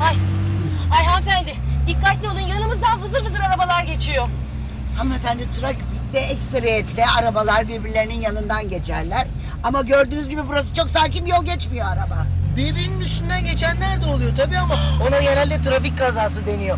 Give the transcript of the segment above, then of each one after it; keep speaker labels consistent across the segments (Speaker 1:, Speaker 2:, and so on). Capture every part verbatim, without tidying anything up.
Speaker 1: Ay, ay hanımefendi dikkatli olun, yanımızdan vızır vızır arabalar geçiyor.
Speaker 2: Hanımefendi, trafikte ekseriyetle arabalar birbirlerinin yanından geçerler. Ama gördüğünüz gibi burası çok sakin, yol geçmiyor araba.
Speaker 3: Birbirinin üstünden geçenler de oluyor tabii ama ona genelde trafik kazası deniyor.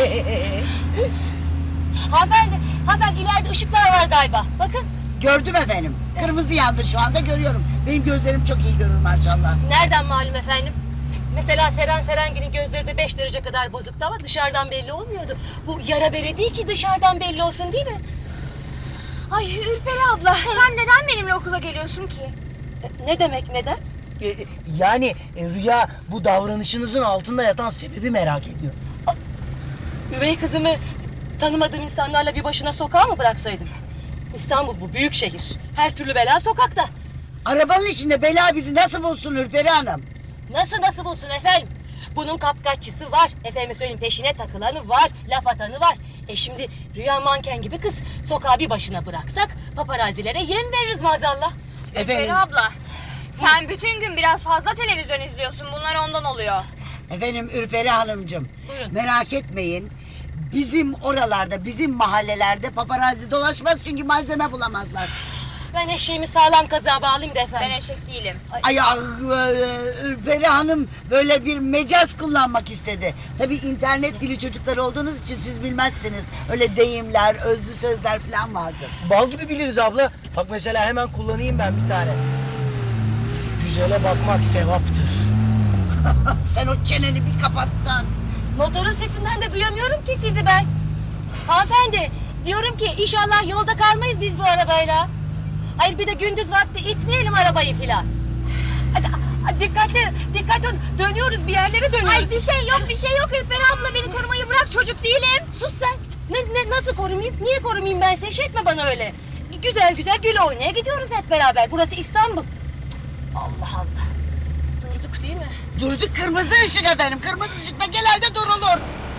Speaker 1: Hanımefendi, hanımefendi ileride ışıklar var galiba. Bakın.
Speaker 2: Gördüm efendim. Kırmızı yandı şu anda, görüyorum. Benim gözlerim çok iyi görür maşallah.
Speaker 1: Nereden malum efendim? Mesela Seren Serengil'in gözleri de beş derece kadar bozuktu ama dışarıdan belli olmuyordu. Bu yara bere değil ki dışarıdan belli olsun, değil mi?
Speaker 4: Ay Ürperi abla, sen neden benimle okula geliyorsun ki?
Speaker 1: E, Ne demek neden?
Speaker 3: E, yani e, Rüya bu davranışınızın altında yatan sebebi merak ediyor.
Speaker 1: Üvey kızımı tanımadığım insanlarla bir başına sokağa mı bıraksaydım? İstanbul bu büyük şehir. Her türlü bela sokakta.
Speaker 2: Arabanın içinde bela bizi nasıl bulsun Ürperi Hanım?
Speaker 1: Nasıl nasıl bulsun efendim? Bunun kapkaççısı var. Efendim söyleyeyim, peşine takılanı var. Laf atanı var. E şimdi Rüya manken gibi kız. Sokağa bir başına bıraksak paparazilere yem veririz maazallah.
Speaker 4: Ürperi abla, sen bütün gün biraz fazla televizyon izliyorsun. Bunlar ondan oluyor.
Speaker 2: Efendim Ürperi Hanımcığım,
Speaker 1: Buyurun.
Speaker 2: merak etmeyin. Bizim oralarda, bizim mahallelerde paparazzi dolaşmaz çünkü malzeme bulamazlar.
Speaker 1: Ben eşeğimi sağlam kazığa bağlayayım da efendim.
Speaker 4: Ben eşek değilim.
Speaker 2: Ay, ah, e, Ürperi Hanım böyle bir mecaz kullanmak istedi. Tabii internet dili çocuklar olduğunuz için siz bilmezsiniz. Öyle deyimler, özlü sözler falan vardır.
Speaker 3: Bal gibi biliriz abla. Bak mesela hemen kullanayım ben bir tane. Güzele bakmak sevaptır.
Speaker 2: Sen o çeneni bir kapatsan.
Speaker 1: Motorun sesinden de duyamıyorum ki sizi ben. Hanımefendi, diyorum ki inşallah yolda kalmayız biz bu arabayla. Hayır, bir de gündüz vakti itmeyelim arabayı filan. Hadi, hadi dikkatli, dikkatli olun. Dönüyoruz, bir yerlere dönüyoruz.
Speaker 4: Ay bir şey yok, bir şey yok Ürperi abla. Beni korumayı bırak, çocuk değilim.
Speaker 1: Sus sen. Ne, ne, nasıl korumayayım? Niye korumayayım ben seni? Şey etme bana öyle. Güzel güzel gül oynaya gidiyoruz hep beraber. Burası İstanbul. Cık, Allah Allah. Durduk değil mi?
Speaker 2: Durduk, kırmızı ışık efendim. Kırmızı ışıkta genelde durulur.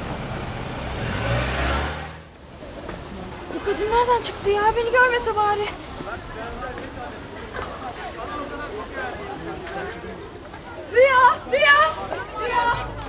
Speaker 4: Bu kadın nereden çıktı ya? Beni görmese bari. Rüya, Rüya, Rüya.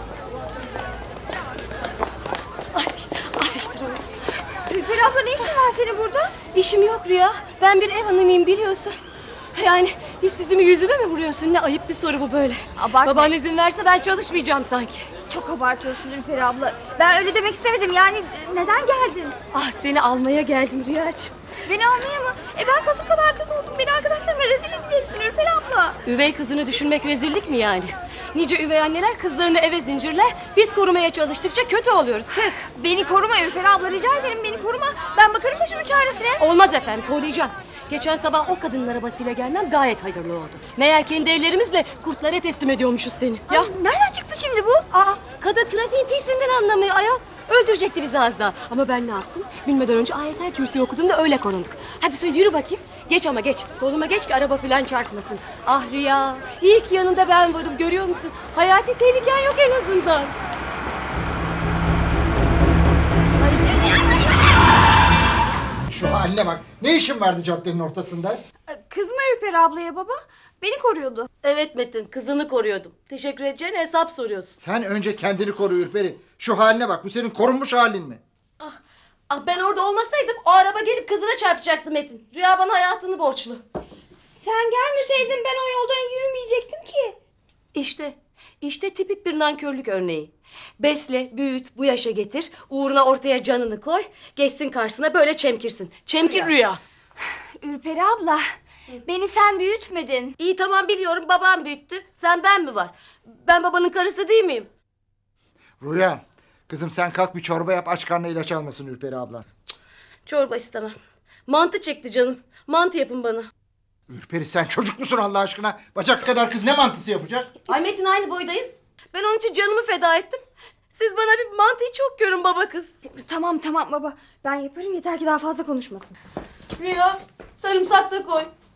Speaker 1: Ay, ay dur.
Speaker 4: Ürperi abla, ne işin var senin burada?
Speaker 1: İşim yok Rüya. Ben bir ev hanımıyım biliyorsun. Yani işsizimi yüzüme mi vuruyorsun? Ne ayıp bir soru bu böyle.
Speaker 4: Abartma.
Speaker 1: Baban izin verse ben çalışmayacağım sanki.
Speaker 4: Çok abartıyorsun Ürperi abla. Ben öyle demek istemedim. Yani e, neden geldin?
Speaker 1: Ah, seni almaya geldim Rüyacığım.
Speaker 4: Beni almaya mı? E ben kasıp kadar kız oldum. Beni arkadaşlarıma rezil edeceksin Ürperi abla.
Speaker 1: Üvey kızını düşünmek rezillik mi yani? Nice üvey anneler kızlarını eve zincirler. Biz korumaya çalıştıkça kötü oluyoruz kız.
Speaker 4: Beni koruma Ürperi abla, rica ederim beni koruma. Ben bakarım başımın çaresine.
Speaker 1: Olmaz efendim, koruyacağım. Geçen sabah o kadının arabasıyla gelmem gayet hayırlı oldu. Meğer kendi ellerimizle kurtlara teslim ediyormuşuz seni.
Speaker 4: Ya nereden çıktı şimdi bu?
Speaker 1: Aa, kadın trafiğin tisinden anlamıyor ayol. Öldürecekti bizi az daha. Ama ben ne yaptım? Bilmeden önce ayetel kürsü okudum da öyle korunduk. Hadi söyle, yürü bakayım. Geç ama geç. Soluma geç ki araba falan çarpmasın. Ah Rüya, iyi ki yanında ben varım, görüyor musun? Hayati tehliken yok en azından.
Speaker 5: Şu haline bak. Ne işin vardı caddenin ortasında?
Speaker 4: Kızma Ürperi ablaya baba. Beni koruyordu.
Speaker 1: Evet Metin, kızını koruyordum. Teşekkür edeceğine hesap soruyorsun.
Speaker 5: Sen önce kendini koru Ürperi. Şu haline bak. Bu senin korunmuş halin mi?
Speaker 1: Ah, ben orada olmasaydım o araba gelip kızına çarpacaktı Metin. Rüya bana hayatını borçlu.
Speaker 4: Sen gelmeseydin ben o yoldan yürümeyecektim ki.
Speaker 1: İşte, işte tipik bir nankörlük örneği. Besle, büyüt, bu yaşa getir. Uğruna ortaya canını koy. Geçsin karşısına böyle çemkirsin. Çemkir Rüya.
Speaker 4: Ürperi abla, beni sen büyütmedin.
Speaker 1: İyi tamam, biliyorum, babam büyüttü. Sen ben mi var? Ben babanın karısı değil miyim?
Speaker 5: Rüya. Kızım sen kalk bir çorba yap. Aç karnına ilaç almasın Ürperi abla.
Speaker 1: Çorba istemem. Mantı çekti canım. Mantı yapın bana.
Speaker 5: Ürperi sen çocuk musun Allah aşkına? Bacak kadar kız ne mantısı yapacak?
Speaker 1: Ay Metin, aynı boydayız. Ben onun için canımı feda ettim. Siz bana bir mantıyı çok görün baba kız.
Speaker 4: Tamam tamam baba, ben yaparım, yeter ki daha fazla konuşmasın.
Speaker 1: Rüya, sarımsak da koy.